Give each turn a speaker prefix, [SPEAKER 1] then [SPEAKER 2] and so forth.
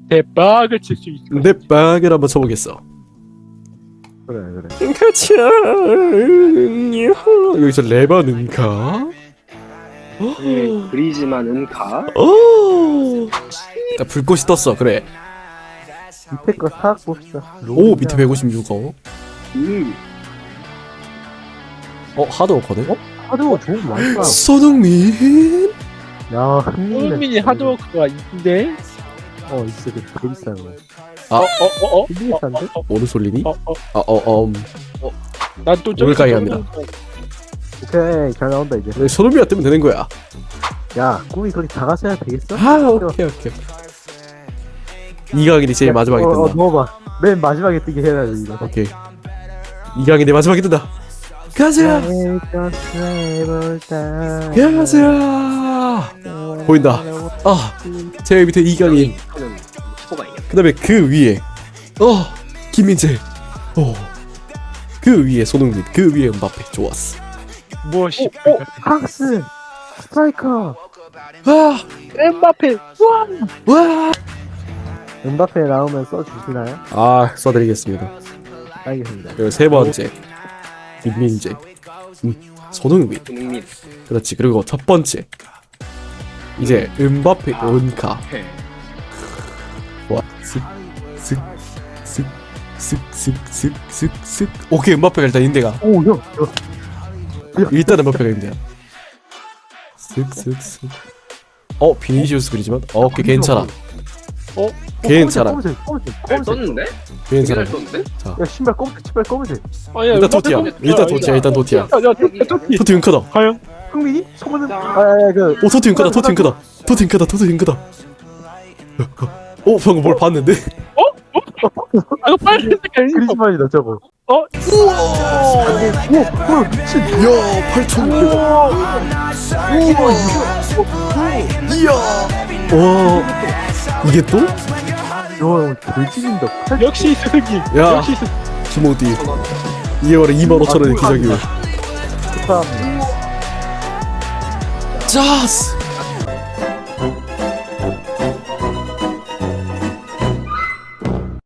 [SPEAKER 1] 대박을 칠 수 있어.
[SPEAKER 2] 내 빵을 한번 쳐보겠어.
[SPEAKER 3] 그래.
[SPEAKER 2] 가자. 여기서 레바는가?
[SPEAKER 4] 그리지만 은카.
[SPEAKER 2] 나 불꽃이 떴어. 그래.
[SPEAKER 3] 밑에 거 사악 봅시다.
[SPEAKER 2] 오 밑에 156억. 하드워커네.
[SPEAKER 3] 하드워 좋은 거 많다.
[SPEAKER 2] 손흥민.
[SPEAKER 3] 야 흥민이.
[SPEAKER 1] 손흥민이 하드워크가 있는데.
[SPEAKER 3] 있어 되게 비싼 거. 되게 비싼데?
[SPEAKER 2] 오늘 솔리니?
[SPEAKER 1] 난또
[SPEAKER 2] 오늘까지 합니다.
[SPEAKER 3] 오케이 잘 나온다 이제.
[SPEAKER 2] 손흥민이 뜨면 되는 거야.
[SPEAKER 3] 야 꿈이 그렇게 작았어야 되겠어?
[SPEAKER 2] 오케이. 이강인이 제일 마지막에 뜬다.
[SPEAKER 3] 넣어봐. 맨 마지막에 뜨게 해야지 이거.
[SPEAKER 2] 오케이. 이강인이 마지막에 뜬다. 가자. 가자. 보인다. 제일 밑에 이강인. 그 다음에 그 위에 김민재. 그 위에 손흥민. 그 위에 음바페. 좋았어.
[SPEAKER 1] 무엇이?
[SPEAKER 3] 프랑스 스트라이커.
[SPEAKER 1] 엠바페.
[SPEAKER 2] 와.
[SPEAKER 3] 은바페 나오면 써주시나요?
[SPEAKER 2] 써드리겠습니다.
[SPEAKER 3] 알겠습니다.
[SPEAKER 2] 그리고 세 번째 김민재. 손흥민. 그렇지. 그리고 첫 번째 이제 음바페 은카. 와. 쓱. 오케이. 음바페가 일단 인대가.
[SPEAKER 3] 오 형.
[SPEAKER 2] 일단 음바페가 인대야. 쓱. 비니시우스 그리지만 오케이 괜찮아. 괜찮아.
[SPEAKER 4] 잘 떴는데?
[SPEAKER 2] 괜찮아.
[SPEAKER 4] 떴는데?
[SPEAKER 2] 자.
[SPEAKER 3] 야 신발 검은색 신발 검은색.
[SPEAKER 2] 일단 도티야. 일단 도티야. 토티 은카다.
[SPEAKER 1] 과연?
[SPEAKER 3] 흥민이? 소문은
[SPEAKER 2] 토티 은카다. 토티 은카다. 방금 뭘 봤는데?
[SPEAKER 1] 이거 빨간색 아니야?
[SPEAKER 3] 그리즈만이다 저거. 미친.
[SPEAKER 2] 야 8,600원. 이야. 이게 또?
[SPEAKER 3] 야 돌진인다.
[SPEAKER 1] 역시 스기.
[SPEAKER 2] 야.
[SPEAKER 1] 역시 스기.
[SPEAKER 2] 김호디 2월에 25,000원의 기자기회.
[SPEAKER 3] 축하합니다.
[SPEAKER 2] 짜스.